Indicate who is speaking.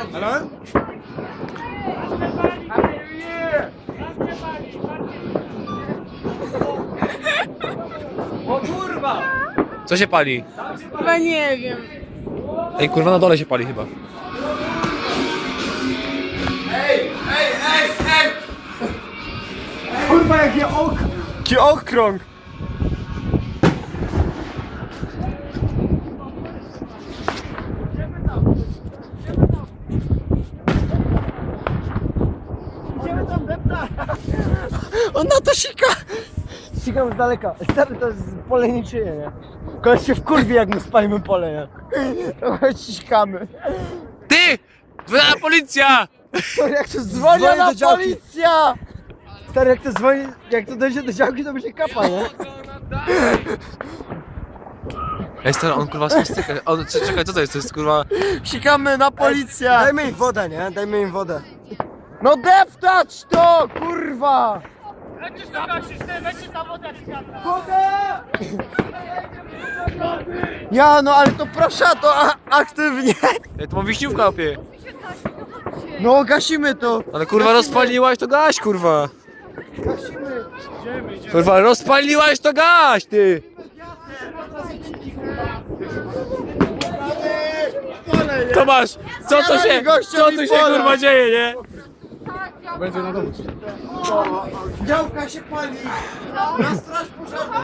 Speaker 1: Halo? O kurwa!
Speaker 2: Co się pali?
Speaker 3: Chyba nie wiem.
Speaker 2: Ej, kurwa, na dole się pali chyba.
Speaker 1: Kurwa jaki okrąg! On na to sika! Sikam z daleka. Stary, to jest pole niczyje, nie? Koleś się wkurwi, jak my spalimy pole, nie? Trochę sikamy.
Speaker 2: Ty! Wyda policja!
Speaker 1: Stary, jak to dzwoni na policja! Stary, jak to dzwoni, jak to dojdzie do działki, to będzie kapa, nie?
Speaker 2: Ej, stary, on kurwa spustyka. Czekaj, co to jest? To jest kurwa...
Speaker 1: Sikamy na policję! Dajmy im wodę, nie? Dajmy im wodę. No deptać to, kurwa!
Speaker 3: Lecisz na gasisz, ty, lecisz na wodę,
Speaker 1: Woda! Ja, no ale to proszę, to aktywnie.
Speaker 2: Ej, to ma wiśniówka, opie.
Speaker 1: No gasimy to.
Speaker 2: Ale kurwa rozpaliłaś, to gaś, kurwa.
Speaker 1: Gasimy.
Speaker 2: Kurwa, rozpaliłaś, to gaś, ty. Tomasz, co to się, kurwa dzieje, nie?
Speaker 1: Działka się pali. Na straż pożarną.